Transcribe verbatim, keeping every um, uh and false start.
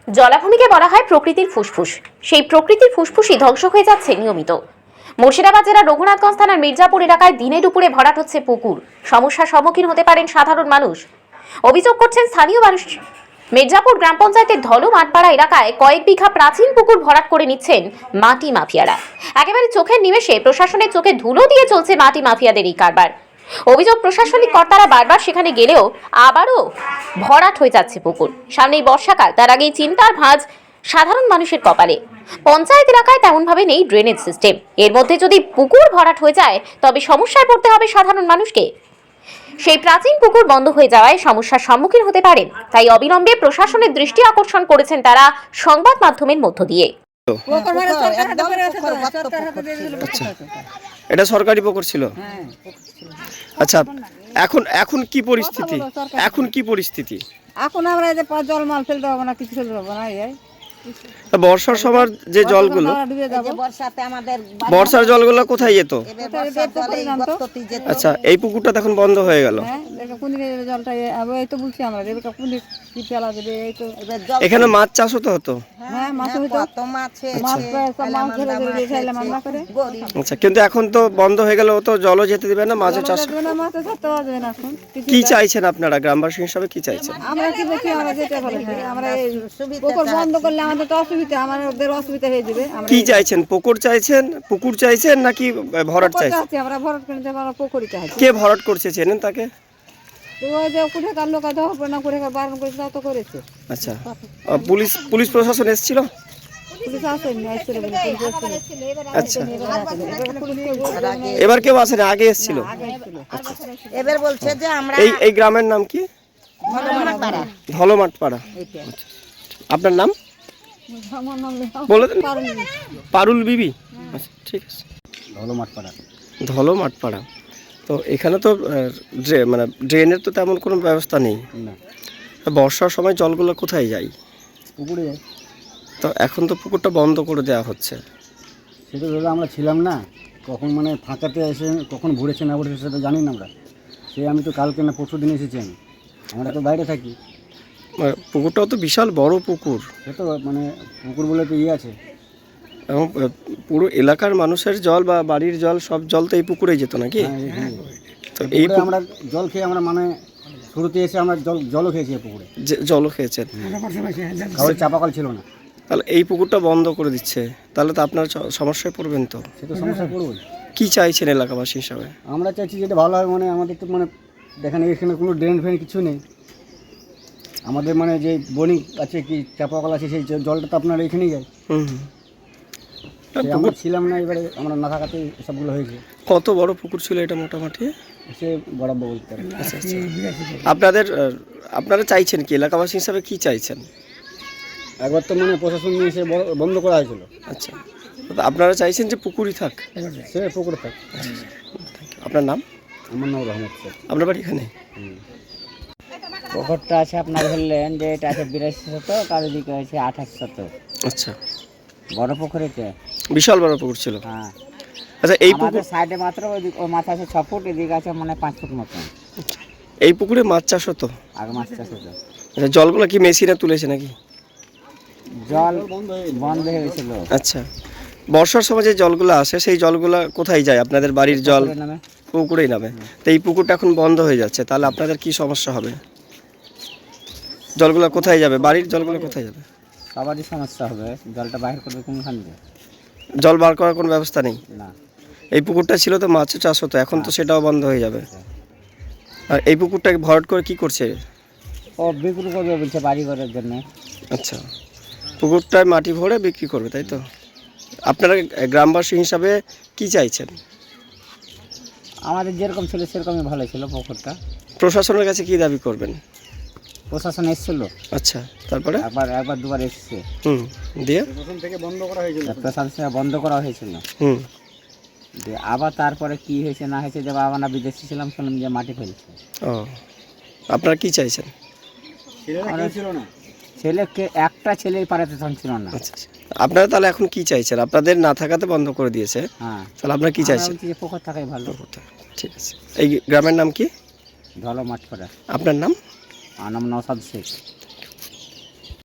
জলাভূমিকে বলা হয় প্রকৃতির ফুসফুস। সেই প্রকৃতির ফুসফুসই ধ্বংস হয়ে যাচ্ছে নিয়মিত। মুর্শিদাবাদ জেলার রঘুনাথগঞ্জ থানার মির্জাপুর এলাকায় দিনে দুপুরে ভরাট হচ্ছে পুকুর। সমস্যার সম্মুখীন হতে পারেন সাধারণ মানুষ। অভিযোগ করছেন স্থানীয় মানুষ। মির্জাপুর গ্রাম পঞ্চায়েতের ধলো মাঠপাড়া এলাকায় কয়েক বিঘা প্রাচীন পুকুর ভরাট করে নিচ্ছেন মাটি মাফিয়ারা। একেবারে চোখের নিমেষে প্রশাসনের চোখে ধুলো দিয়ে চলছে মাটি মাফিয়াদের এই কারবার। অভিযোগ, প্রশাসনিক কর্তারা বারবার সেখানে গেলেও আবারও ভরাট হয়ে যাচ্ছে পুকুর। সামনেই বর্ষাকাল, তার আগেই চিন্তার ভাঁজ সাধারণ মানুষের কপালে। পঞ্চায়েত এলাকায় তেমনভাবে নেই ড্রেনেজ সিস্টেম। এর মধ্যে যদি পুকুর ভরাট হয়ে যায় তবে সমস্যায় পড়তে হবে সাধারণ মানুষকে। সেই প্রাচীন পুকুর বন্ধ হয়ে যাওয়ায় সমস্যার সম্মুখীন হতে পারেন। তাই অবিলম্বে প্রশাসনের দৃষ্টি আকর্ষণ করেছেন তারা সংবাদ মাধ্যমের মধ্য দিয়ে। এটা সরকারি পুকুর ছিল। আচ্ছা, এখন এখন কি পরিস্থিতি? এখন কি পরিস্থিতি? এখন আমরা এই যে জল মাল ফেলতে পারবো না, কিছু ফেলতে পারবো না। এই বর্ষার সময় যে জলগুলো, বর্ষার জলগুলো কোথায় যেত? আচ্ছা, এই পুকুরটা এখন বন্ধ হয়ে গেল। এখানে মাছ চাষ হতো হতো আচ্ছা, কিন্তু এখন তো বন্ধ হয়ে গেল, তো জলও যেতে দিবে না, মাছও চাষ। কি চাইছেন আপনারা গ্রামবাসী হিসাবে? কি চাইছেন? আমরা কি বলছি, আমরা যেটা বলি আমরা পুকুর বন্ধ করলে আমাদের তো অসুবিধা, আমাদের অসুবিধা হয়ে যাবে। কি চাইছেন? পুকুর চাইছেন, পুকুর চাইছেন নাকি ভরাট চাইছেন? আমরা ভরাট করতে আমরা পুকুরই চাইছি। কে ভরাট করছে চেনেন তাকে? ওই যে কোথাকার লোক আছে না, কোথাকার বারণ করেছে তা তো করেছে। আচ্ছা, পুলিশ পুলিশ প্রশাসন এসেছিল? পুলিশ আসেনি, আসছিল বলে পুলিশ আসেনি। আচ্ছা, এবার কেউ আসেনি, আগে এসেছিল। এবার বলছে যে আমরা এই এই গ্রামের নাম কি? ধলো মাঠপাড়া। আপনার নাম বলে দেন। পারুল বিবি। আচ্ছা, ঠিক আছে। ধলো মাঠপাড়া। ধলো মাঠপাড়া। তো এখানে তো মানে ড্রেনের তো তেমন কোনো ব্যবস্থা নেই। না। বর্ষার সময় জলগুলো কোথায় যায়? পুকুরে যায়। তো এখন তো পুকুরটা বন্ধ করে দেওয়া হচ্ছে। সেটা ধরো আমরা ছিলাম না, কখন মানে ফাঁকাতে এসে কখন ভরেছে না ভরেছে সেটা জানি না আমরা। সে আমি তো কালকে না পরশু দিন এসেছি আমি, আমরা তো বাইরে থাকি। পুকুরটাও তো বিশাল বড় পুকুর। সে তো মানে পুকুর বলে তো ইয়ে আছে, এবং পুরো এলাকার মানুষের জল বা বাড়ির জল সব জল তো এই পুকুরেই যেত নাকি? তো এই আমরা জল খেয়ে আমরা মানে শুরুতে এসে আমরা জল জলও খেয়েছি এই পুকুরে। জলও খেয়েছেন? কারোর চাপাকল ছিল না। তাহলে এই পুকুরটা বন্ধ করে দিচ্ছে, তাহলে তো আপনার সমস্যায় পড়বেন। তো সে তো সমস্যায় পড়বো। কি চাইছেন এলাকাবাসী হিসাবে? আমরা চাইছি যেটা ভালো হয়, মানে আমাদের তো মানে দেখেন এখানে কোনো ড্রেন ফ্রেন কিছু নেই। আমাদের মানে যে বোরিং আছে কি চাপাকল আছে, সেই জলটা তো আপনার এখানেই যায়। হুম, আমরা ছিলাম না, এবারে আমরা না থাকাতে সবগুলো হয়েছে। কত বড় পুকুর ছিল এটা মোটামুটি? সে বরাবর বলতে পারে। আচ্ছা, আপনাদের আপনারা চাইছেন কি এলাকাবাসী হিসাবে? কি চাইছেন? একবার তো মানে প্রশাসন নিয়ে এসে বন্ধ করা হয়েছিল। আচ্ছা, আপনারা চাইছেন যে পুকুরই থাক? সে পুকুরে থাক। আপনার নাম? আমার নাম রহমত স্যার। আপনার বাড়ি এখানে? পুকুরটা আছে আপনার ধরলেন যে এটা আছে বিরাশি শতক আর এদিকে আছে আঠাশ শতক। আচ্ছা, বড় পুকুর এটা, বিশাল বড় পুকুর ছিল। হ্যাঁ। আচ্ছা, এই পুকুর সাইডে মাত্র ওই মাথা আছে ছ ফুট, এদিকে আছে মানে পাঁচ ফুট মতন। এই পুকুরে মাছ চাষ হতো আগে, মাছ চাষ হতো। আচ্ছা, জলগুলো কি মেশিনে তুলেছে নাকি? জল বন্ধ হয়ে গেছিল। আচ্ছা, বর্ষার সময় যে জলগুলো আসে সেই জলগুলো কোথায় যায়? আপনাদের বাড়ির জল পুকুরেই নামে। তো এই পুকুরটা এখন বন্ধ হয়ে যাচ্ছে, তাহলে আপনাদের কি সমস্যা হবে? জলগুলো কোথায় যাবে? বাড়ির জলগুলো কোথায় যাবে? সবারই সমস্যা হবে। জলটা বাইরে করবে কোনখান দিয়ে? জল বার করার কোনো ব্যবস্থা নেই। না। এই পুকুরটা ছিল তো মাছ চাষ হতো, এখন তো সেটাও বন্ধ হয়ে যাবে। আর এই পুকুরটাকে ভরাট করে কি করছে? ও বিক্রি করবে বলছে বাড়ি ঘরের জন্য। আচ্ছা, পুকুরটায় মাটি ভরে বিক্রি করবে, তাই তো? আপনারা গ্রামবাসী হিসাবে কি চাইছেন? আমাদের যেরকম ছিল সেরকমই ভালো ছিল পুকুরটা। প্রশাসনের কাছে কি দাবি করবেন? প্রশাসন এসেছিল। আচ্ছা, তারপরে? একবার একবার দুবার এসেছে। হুম, দিয়ে প্রশাসন থেকে বন্ধ করা হয়েছিল। প্রশাসন থেকে বন্ধ করা হয়েছিল। হুম, দিয়ে আবার তারপরে কি হয়েছে না হয়েছে, যে বাবা না বিদেশে ছিলাম, শুনলাম যে মাটি ফেলছে। ও, আপনারা কি চাইছেন? ছেলেকে একটা ছেলেই পাড়াতে থাকছিল না। আচ্ছা, আপনারা তাহলে এখন কি চাইছেন? আপনাদের না থাকাতে বন্ধ করে দিয়েছে, হ্যাঁ। তাহলে আপনারা কি চাইছেন? পুকুর থাকাই ভালো। ঠিক আছে। এই গ্রামের নাম কি? ধলো মাঠপাড়া। আপনার নাম? আমার নাম নওশাদ শেখ।